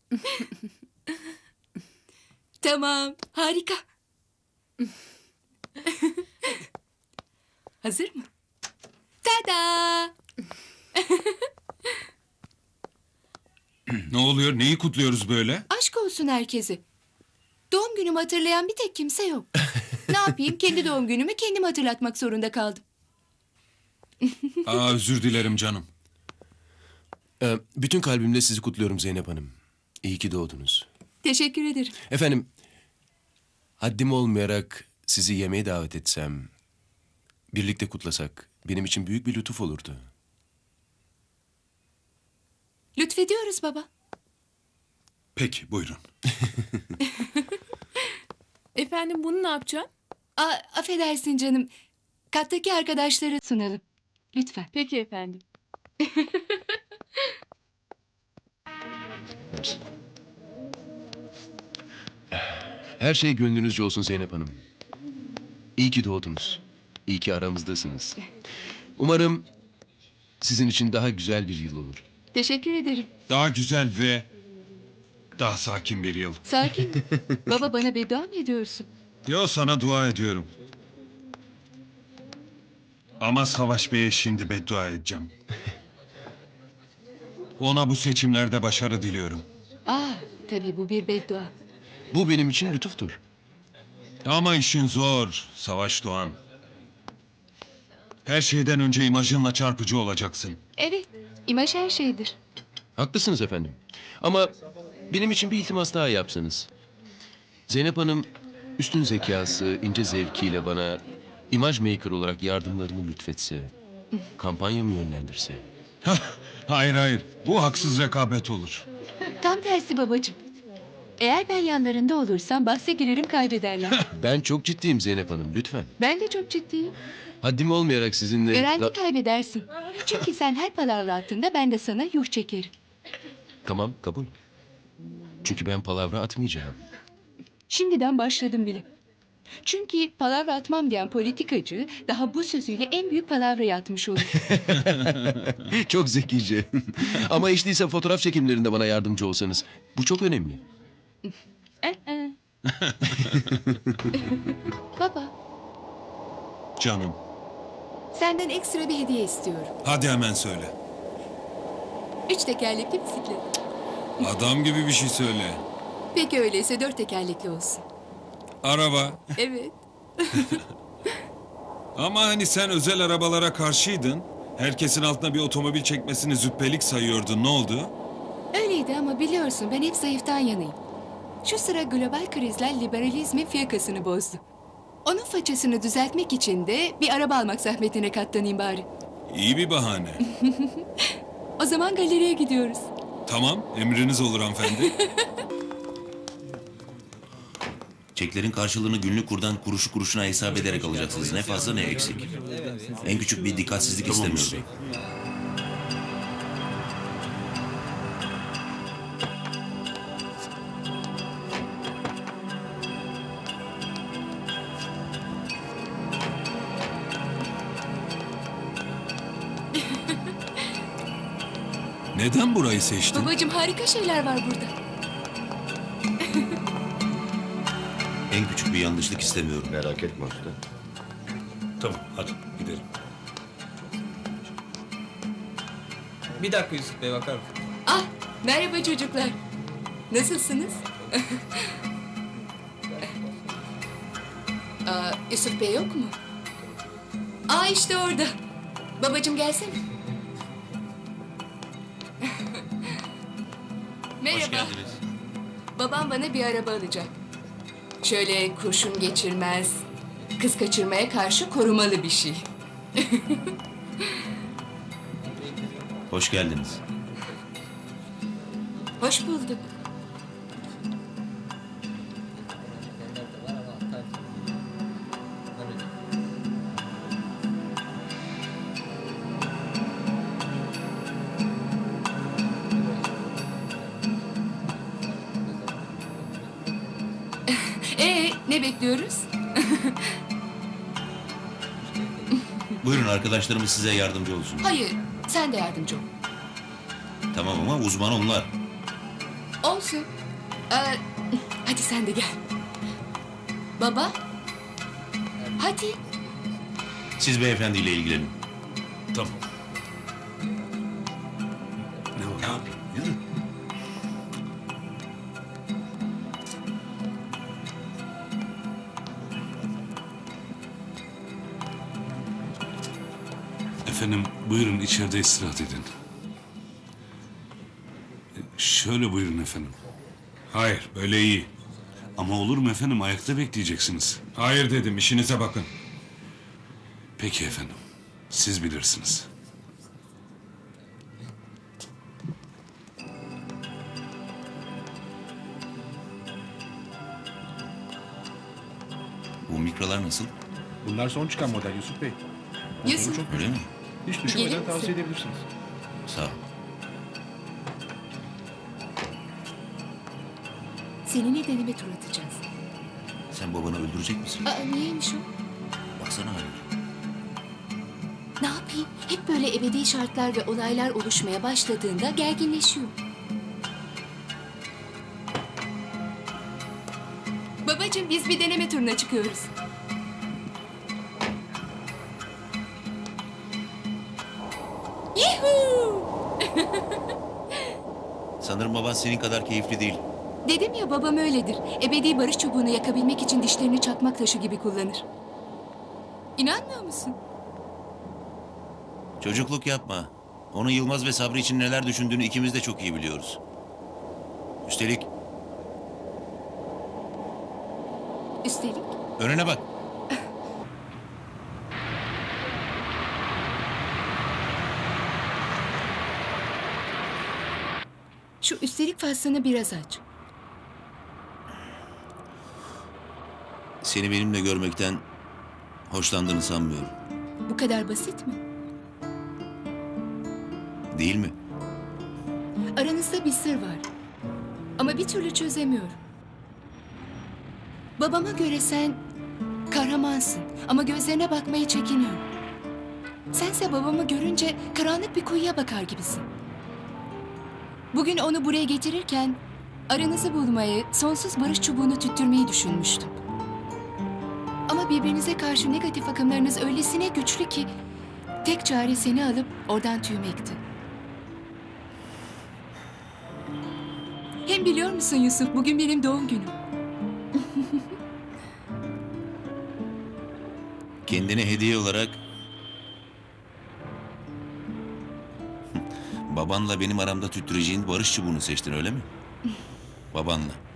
Tamam, harika. Hazır mı? Tada! Ne oluyor? Neyi kutluyoruz böyle? Aşk olsun herkese. Doğum günümü hatırlayan bir tek kimse yok. Ne yapayım? Kendi doğum günümü kendim hatırlatmak zorunda kaldım. Özür dilerim canım. Bütün kalbimle sizi kutluyorum Zeynep Hanım. İyi ki doğdunuz. Teşekkür ederim. Efendim, haddim olmayarak sizi yemeğe davet etsem, birlikte kutlasak benim için büyük bir lütuf olurdu. Lütfediyoruz baba. Peki, buyurun. Efendim bunu ne yapacaksın? Affedersin canım. Kattaki arkadaşlara sunalım. Lütfen. Peki efendim. Her şey gönlünüzce olsun Zeynep Hanım. İyi ki doğdunuz. İyi ki aramızdasınız. Umarım sizin için daha güzel bir yıl olur. Teşekkür ederim. Daha güzel ve daha sakin bir yıl. Sakin. Baba bana beddua mı ediyorsun? Yo, sana dua ediyorum. Ama Savaş Bey'e şimdi beddua edeceğim. Ona bu seçimlerde başarı diliyorum. Tabii bu bir beddua. Bu benim için lütuftur. Ama işin zor, Savaş Doğan. Her şeyden önce imajınla çarpıcı olacaksın. Evet, imaj her şeydir. Haklısınız efendim. Ama benim için bir iltimas daha yapsanız. Zeynep Hanım üstün zekası, ince zevkiyle bana imaj maker olarak yardımlarını lütfetse, kampanyamı yönlendirse. Hayır, bu haksız rekabet olur. Tam tersi babacığım. Eğer ben yanlarında olursam bahse girerim kaybederler. Ben çok ciddiyim Zeynep Hanım, lütfen. Ben de çok ciddiyim. Haddim olmayarak sizinle... Garanti kaybedersin. Çünkü sen her palavra attığında ben de sana yuh çekerim. Tamam, kabul. Çünkü ben palavra atmayacağım. Şimdiden başladım bile. Çünkü palavra atmam diyen politikacı daha bu sözüyle en büyük palavrayı atmış olur. Çok zekice. Ama hiç değilse fotoğraf çekimlerinde bana yardımcı olsanız. Bu çok önemli. Baba, Canım, senden ekstra bir hediye istiyorum. hadi hemen söyle. 3 tekerlekli bisiklet. Adam gibi bir şey söyle. Peki öyleyse 4 tekerlekli olsun. Araba. Evet. Ama hani sen özel arabalara karşıydın. Herkesin altına bir otomobil çekmesini züppelik sayıyordun. Ne oldu? Öyleydi ama biliyorsun ben hep zayıftan yanayım. Şu sıra global krizler liberalizmin fiyakasını bozdu. Onun façasını düzeltmek için de bir araba almak zahmetine katlanayım bari. İyi bir bahane. O zaman galeriye gidiyoruz. Tamam, emriniz olur hanımefendi. Çeklerin karşılığını günlük kurdan kuruşu kuruşuna hesap ederek alacaksınız. Ne fazla ne eksik. En küçük bir dikkatsizlik istemiyorum. Neden burayı seçtin? Babacığım harika şeyler var burada. En küçük bir yanlışlık istemiyorum. Merak etme usta. Tamam, hadi gidelim. Bir dakika Yusuf Bey, bakar mısın? Merhaba çocuklar. Nasılsınız? Yusuf Bey yok mu? İşte orada. Babacığım gelsene. Merhaba. Hoş geldiniz. Babam bana bir araba alacak. Şöyle kurşun geçirmez, kız kaçırmaya karşı korumalı bir şey. Hoş geldiniz. Hoş bulduk. Ne bekliyoruz? Buyurun, arkadaşlarımız size yardımcı olsun. Hayır, sen de yardımcı ol. Tamam ama uzman onlar. Olsun. Ee, hadi sen de gel. Baba. Hadi. Siz beyefendiyle ilgilenin. Tamam. Ne var? Yürü. Efendim buyurun içeride istirahat edin. Şöyle buyurun efendim. Hayır, böyle iyi. Ama olur mu efendim ayakta bekleyeceksiniz. Hayır dedim, işinize bakın. Peki efendim. Siz bilirsiniz. Bu mikrolar nasıl? Bunlar son çıkan model Yusuf Bey. Yusuf. Çok Öyle mi? hiç Gelir düşünmeden misin? tavsiye edebilirsiniz. Sağ ol. Seninle deneme tur atacağız. Sen babanı öldürecek misin? Niyeymiş o? Baksana haline. Ne yapayım? Hep böyle ebedi şartlar ve olaylar oluşmaya başladığında gerginleşiyor. Babacığım biz bir deneme turuna çıkıyoruz. Yuhuu! Sanırım baban senin kadar keyifli değil. Dedim ya babam öyledir. Ebedi barış çubuğunu yakabilmek için dişlerini çakmak taşı gibi kullanır. İnanmıyor musun? Çocukluk yapma. Onun Yılmaz ve Sabri için neler düşündüğünü ikimiz de çok iyi biliyoruz. Üstelik Üstelik önüne bak. şu üstelik faslını biraz aç. Seni benimle görmekten hoşlandığını sanmıyorum. Bu kadar basit mi? Değil mi? Aranızda bir sır var. Ama bir türlü çözemiyorum. Babama göre sen kahramansın ama gözlerine bakmaya çekiniyorum. Sense babamı görünce karanlık bir kuyuya bakar gibisin. Bugün onu buraya getirirken aranızı bulmayı, sonsuz barış çubuğunu tüttürmeyi düşünmüştüm. Ama birbirinize karşı negatif akımlarınız öylesine güçlü ki tek çare seni alıp oradan tüymekti. Hem biliyor musun Yusuf, bugün benim doğum günüm. Kendine hediye olarak babanla benim aramda tüttüreceğin barış çubuğunu seçtin öyle mi? Babanla.